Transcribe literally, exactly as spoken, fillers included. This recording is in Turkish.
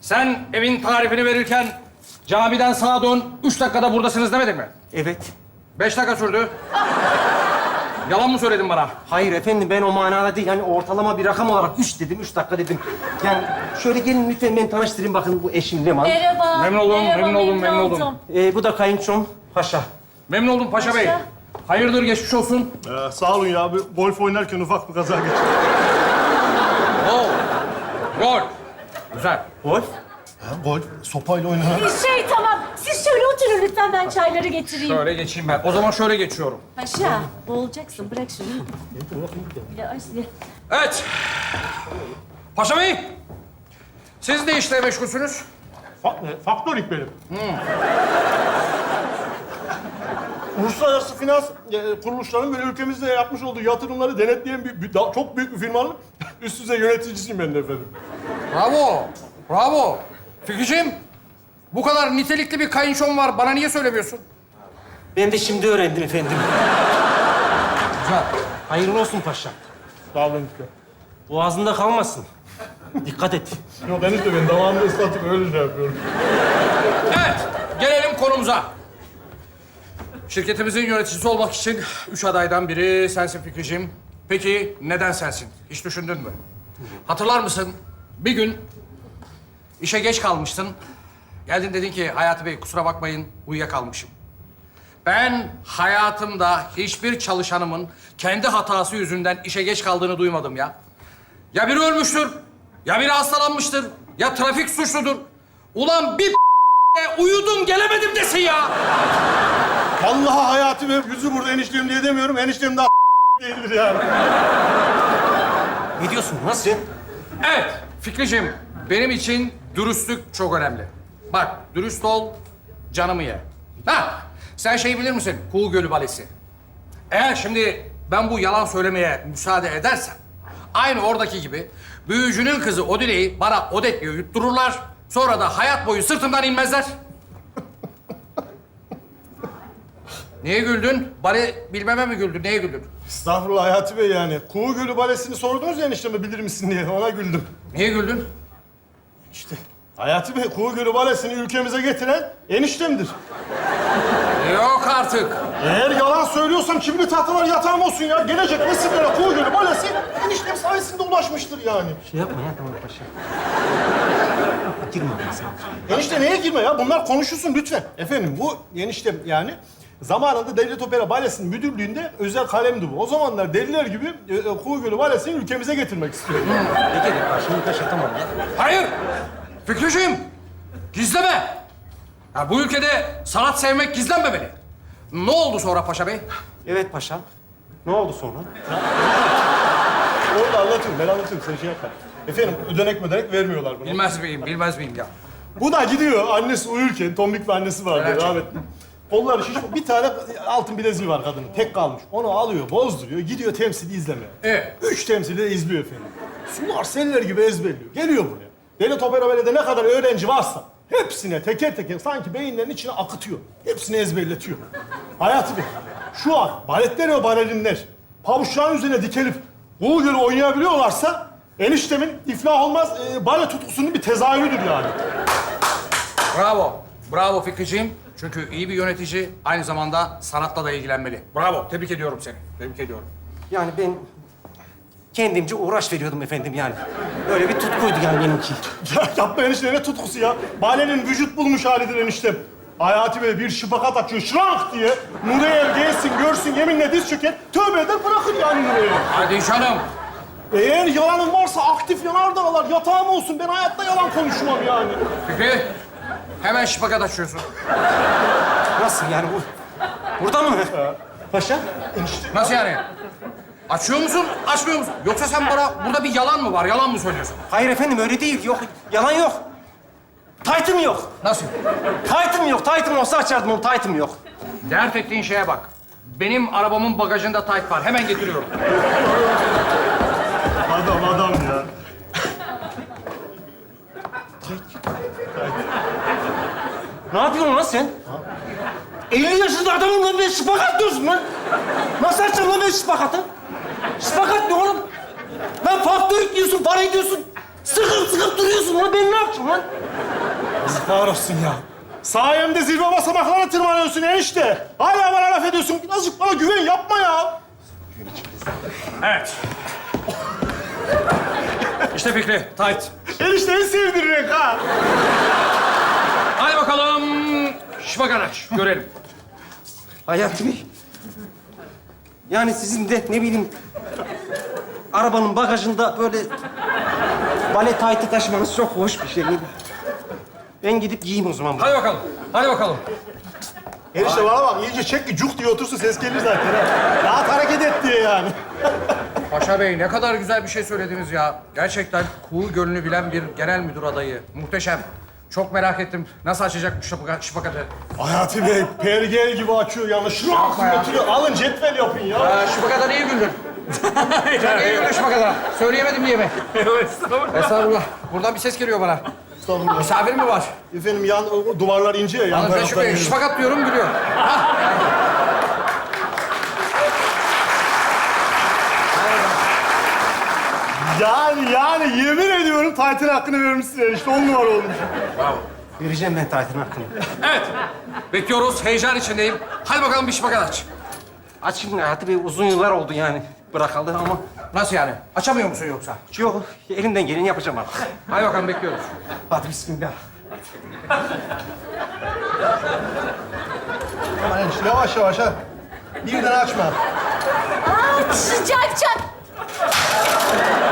Sen evin tarifini verirken camiden sağa dön, üç dakikada buradasınız demedin mi? Evet. Beş dakika sürdü. Yalan mı söyledin bana? Hayır efendim, ben o manada değil. Yani ortalama bir rakam olarak üç dedim, üç dakika dedim. Yani şöyle gelin lütfen, ben tanıştırayım. Bakın bu eşim Leman. Merhaba. Memnun oldum, Merhaba, memnun oldum, memnun oldum. Ee, bu da kayınçom Paşa. Memnun oldum Paşa Bey. Paşa. Hayırdır, geçmiş olsun. Ee, sağ olun ya. Bir golf oynarken ufak bir kaza geçirdim. Oo. Gol. Güzel. Golf. Ha, golf sopayla oynanan. Şey tamam. Siz şöyle oturun lütfen, ben çayları getireyim. Şöyle geçeyim ben. O zaman şöyle geçiyorum. Paşa, boğulacaksın. Bırak şunu. Ya, ay, ya. Evet. Paşa Bey. Siz ne işle meşgulsünüz? Fa- faktörlük benim. Uluslararası finans e, kuruluşlarının böyle ülkemizde yapmış olduğu yatırımları denetleyen bir, bir- da- çok büyük bir firmanın üst düzey yöneticisiyim ben de efendim. Bravo. Bravo. Fikriciğim, bu kadar nitelikli bir kayınçom var. Bana niye söylemiyorsun? Ben de şimdi öğrendim efendim. Güzel. Hayırlı olsun paşa. Sağ olun işte. Boğazında kalmasın. Dikkat et. Yok enişte ben damağımda ıslatıp öyle şey yapıyorum. Evet, gelelim konumuza. Şirketimizin yöneticisi olmak için üç adaydan biri sensin Fikriciğim. Peki neden sensin? Hiç düşündün mü? Hatırlar mısın? Bir gün işe geç kalmıştın. Geldin dedin ki Hayati Bey kusura bakmayın uyuyakalmışım. Ben hayatımda hiçbir çalışanımın kendi hatası yüzünden işe geç kaldığını duymadım ya. Ya biri ölmüştür, ya biri hastalanmıştır, ya trafik suçludur. Ulan bir uyudum gelemedim desin ya. Vallahi Hayati Bey yüzü burada eniştem diye demiyorum. Eniştem daha değildir yani. Ne diyorsun? Nasıl? Evet Fikriciğim, benim için dürüstlük çok önemli. Bak, dürüst ol, canımı ye. Ha, sen şey bilir misin? Kuğu Gölü Balesi. Eğer şimdi ben bu yalan söylemeye müsaade edersem, aynı oradaki gibi büyücünün kızı Odine'yi bana Odet diye yuttururlar. Sonra da hayat boyu sırtımdan inmezler. Niye güldün? Bale bilmeme mi güldün? Neye güldün? Estağfurullah Hayati Bey yani. Kuğu Gölü Balesi'ni sordunuz ya enişteme bilir misin diye. Ona güldüm. Niye güldün? İşte Hayati Bey Kuğu Gölü Balesi'ni ülkemize getiren eniştemdir. Yok artık. Eğer yalan söylüyorsam kimli tahtalar yatağım olsun ya. Gelecek nesillere Kuğu Gölü Balesi eniştem sayesinde ulaşmıştır yani. Şey yapma ya, tamam paşa. Girme bana sen. Enişte neye girme ya? Bunlar konuşulsun lütfen. Efendim bu eniştem yani zamanında Devlet Opera Balesi'nin müdürlüğünde özel kalemdi bu. O zamanlar deliler gibi e, e, Kuğu Gölü Balesi'ni ülkemize getirmek istiyordu. Peki de şimdi paşa tamam ya. Hayır! Fikriciğim, gizleme. Ya bu ülkede sanat sevmek gizlenmemeli. Ne oldu sonra Paşa Bey? Evet paşa. Ne oldu sonra? Orada anlatayım, ben anlatayım. Sen şey yapma. Efendim ödenek ödenek vermiyorlar buna. Bilmez miyim, bilmez miyim ya? Bu da gidiyor annesi uyurken, tombik bir annesi vardı Evet. rahmetli. Kolları şiş, bir tane altın bileziği var kadının, tek kalmış. Onu alıyor, bozduruyor, gidiyor temsili izlemeye. Evet. Üç temsili de izliyor efendim. Sular seller gibi ezberliyor. Geliyor buraya. Devlet Opera Balesi'nde ne kadar öğrenci varsa hepsine teker teker sanki beyinlerinin içine akıtıyor. Hepsini ezberletiyor. Hayati Bey, şu an baletler ve balerinler pabuçların üzerine dikelip Kuğu Gölü oynayabiliyorlarsa eniştemin iflah olmaz e, bale tutkusunun bir tezahürüdür yani. Bravo, bravo Fikriciğim. Çünkü iyi bir yönetici aynı zamanda sanatla da ilgilenmeli. Bravo, tebrik ediyorum seni. Tebrik ediyorum. Yani ben kendimce uğraş veriyordum efendim yani. Öyle bir tutkuydu yani benimki. Ya yapma enişte ne tutkusu ya. Balenin vücut bulmuş halidir eniştem. Hayati Bey bir şıpakat açıyor şırank diye. Nureyel gelsin görsün yeminle diz çöker. Tövbe eder bırakır yani Nureyel'i. Hadi canım. Eğer yalanın varsa aktif yanardağlar yatağım olsun. Ben hayatta yalan konuşmam yani. Fikri, hemen şipakat açıyorsun. Nasıl yani bu? Burada mı? Paşa? Enişte Nasıl yani? Açıyor musun, açmıyor musun? Yoksa sen bana burada bir yalan mı var, yalan mı söylüyorsun? Hayır efendim öyle değil. Yok, yalan yok. Taytım yok. Nasıl? Taytım yok. Taytım olsa açardım onu. Taytım yok. Dert ettiğin şeye bak. Benim arabamın bagajında tayt var. Hemen getiriyorum. adam adam ya. Ne yapıyorsun lan sen? elli yaşında adamım lan ben şıpakat diyorsun lan. Nasıl açacağım lan ben şıpakatı? Şıpakat ne oğlum? Lan faktörük diyorsun, parayı diyorsun. Sıkı sıkıp sıkıp duruyorsun lan. Ben ne yapacağım lan? Yazıklar olsun ya. Sayemde zirve basamaklarına tırmanıyorsun enişte. Hala bana laf ediyorsun. Birazcık bana güven yapma ya. Evet. İşte Fikri, tight. Enişte en sevdiğin renk ha. Hadi bakalım. Şıpagan aç, görelim. Hayati Bey. Yani sizin de ne bileyim... arabanın bagajında böyle... bale taytı taşımanız çok hoş bir şey. Ben gidip giyeyim o zaman. Hadi bakalım, hadi bakalım. Enişte bana bak iyice çek ki cuk diye otursun ses gelir zaten ha. Rahat hareket et diye yani. Paşa Bey ne kadar güzel bir şey söylediniz ya. Gerçekten Kuğu Gölü'nü bilen bir genel müdür adayı. Muhteşem. Çok merak ettim. Nasıl açacak bu şıpaka- şıpakatı? Hayati Bey pergel gibi açıyor yani. Şunu Yapma ya. oturuyor. Alın cetvel yapın ya. Aa, şıpakata niye güldün? Sen niye güldün şıpakata? Söyleyemedim diye mi? Estağfurullah. Estağfurullah. Buradan bir ses geliyor bana. Estağfurullah. Misafir mi var? Efendim yan o duvarlar ince ya. Yan Yalnız ben taraftan şüphe, geliyor. şıpakat diyorum gülüyor. Hah, geldi. Yani yani yemin ediyorum Titan hakkını vermişsin enişte. On numara olmuş. Vereceğim ben taytın hakkını. Evet. Bekliyoruz. Heyecan içindeyim. Hadi bakalım bir şıpakat aç. Açayım Hayati Bey, uzun yıllar oldu yani bırakalı ama... Nasıl yani? Açamıyor musun yoksa? Yok, elimden geleni yapacağım artık. Hadi bakalım bekliyoruz. Hadi bismillah. Aman enişte yavaş yavaş ha. Birden açma. Aa, sıcak çak.